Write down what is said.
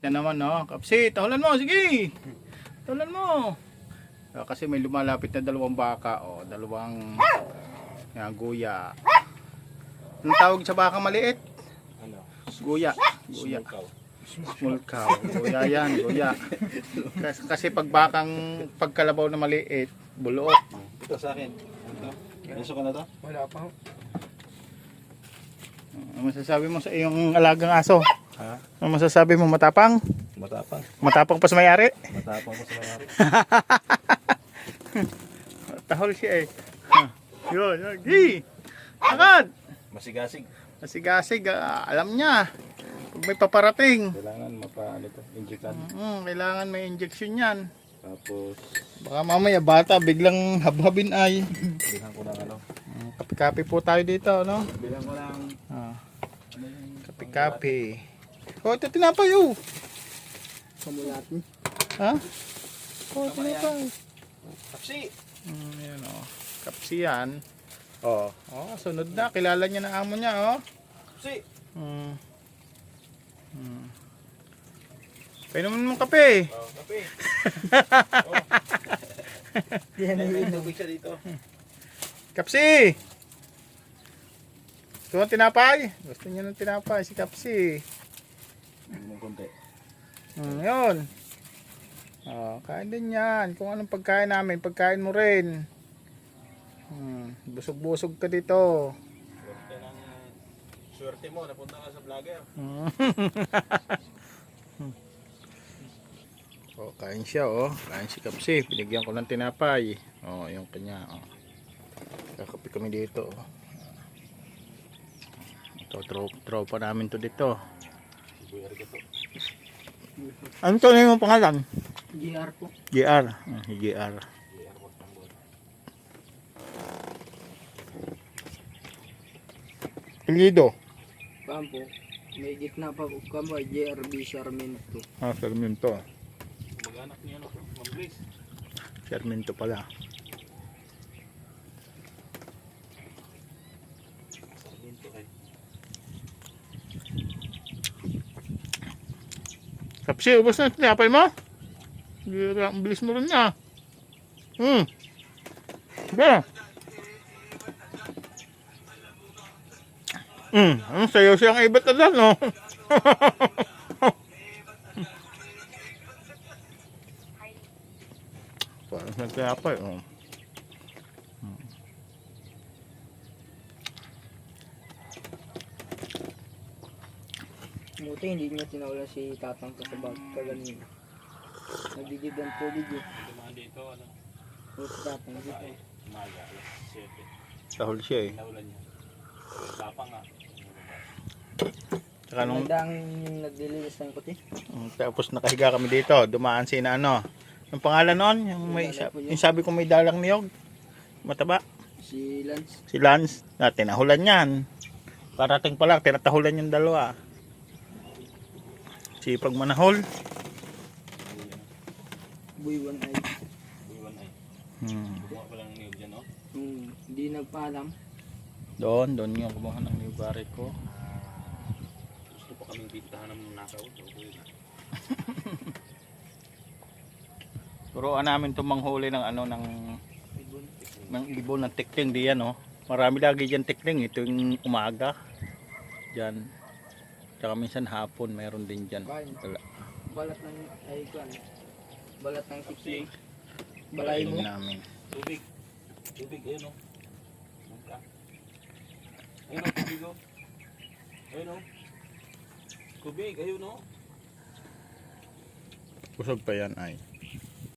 Yan naman, no? Kapsi, tahulan mo, sige! Tahulan mo! Kasi may lumalapit na dalawang baka, o, dalawang guya. Anong tawag sa baka maliit? Ano? Guya. Guya. Small cow. Small cow. Guya yan, guya. Kasi pagkalabaw na maliit, buluot. Ito sa akin. Ano? Gusto ko na to? Wala pa. Ano masasabi mo sa iyong alagang aso? Ha? Ano masasabi mo, matapang? Matapang. Matapang pa sa may-ari? Matapang ko sa mayari. Tahol siya eh. Yun, yun. Gi! Agad! Masigasig. Masigasig, alam niya. Pag may paparating. Kailangan ano to, injectan. Kailangan may injection yan. Tapos, Baka mamaya bata biglang habhabin ay. bilhan ko ng ano. Kapi-kapi po tayo dito, no? Bilhan ko ng Ano yung kapi-kapi. Oh, ito tinapay, oh. Kamu natin. Ha? Oh, tinapay. Kapsi! Yan, oh. Kapsi yan. Oh, sunod na. Kilala niya na amo niya, oh. Kapsi! Painumin mo kape. Oh, kape. Yan na May yun. tubig siya dito. Kapsi! Gusto mo tinapay? Gusto niya ng tinapay si Kapsi. Ng konti. Yun. Kain din yan. Kung anong pagkain namin, pagkain mo rin. Busog-busog ka dito. Swerte mo, napunta ka sa vlogger. Kain siya, kain si Kapsi. Binigyan ko ng tinapay. Yung kanya, kakapi kami dito, Ito, tropa namin to dito. Ano to na yung pangalan? GR po. GR. GR. Pilido. Kampo. May gitna pa po kamo. JRB Sarmiento. Sarmiento. Mag-anak niya, no? Mamblis. Sarmiento pala. Sarmiento kay. Kapsi, ubos na tinapay mo? Ang bilis mo rin na. Sige. Ang sayo siyang ibat na dyan, no? Parang nagtinapay, Buti hindi niya tinawalan si tatang ko sa bag kaganina. Nagdidib ang tubig eh. Dumaan dito, ano? O si tatang dito. Umaga, alas 7. Tahol siya eh. Naulan niya. Tapang nga. Tsaka nung, Nagdaang naglilinis ng kuti. tapos nakahiga kami dito, dumaan si na ano. Ang pangalan nun, yung sabi ko may dalang niyog. Mataba. Si Lance. Si Lance, tinahulan yan. Parating pa lang, tinatahulan yung dalawa. Sipag manahol. Buiwan ay. Iwan ay. Buka pa lang niyog dyan, no? Hindi nagpaalam. Doon yung kumuha ng niyugari ko. Gusto pa kaming bintahan ng nakaw. Turuan namin itong manghuli ng ano, ng ibon ng tikling diyan, no? Marami lagi dyan tikling, ito yung umaga. Diyan. Tsaka minsan hapon, mayroon din dyan. Wala. Balat ng ay kwan. Balat ng Kapsi. tikling. Balay mo. namin. Tubig. Tubig, ayun, no? Mangka. Ayun, no? Tubig, oh. Ayun, no? Tubig, ayun, no? Busog pa yan ay.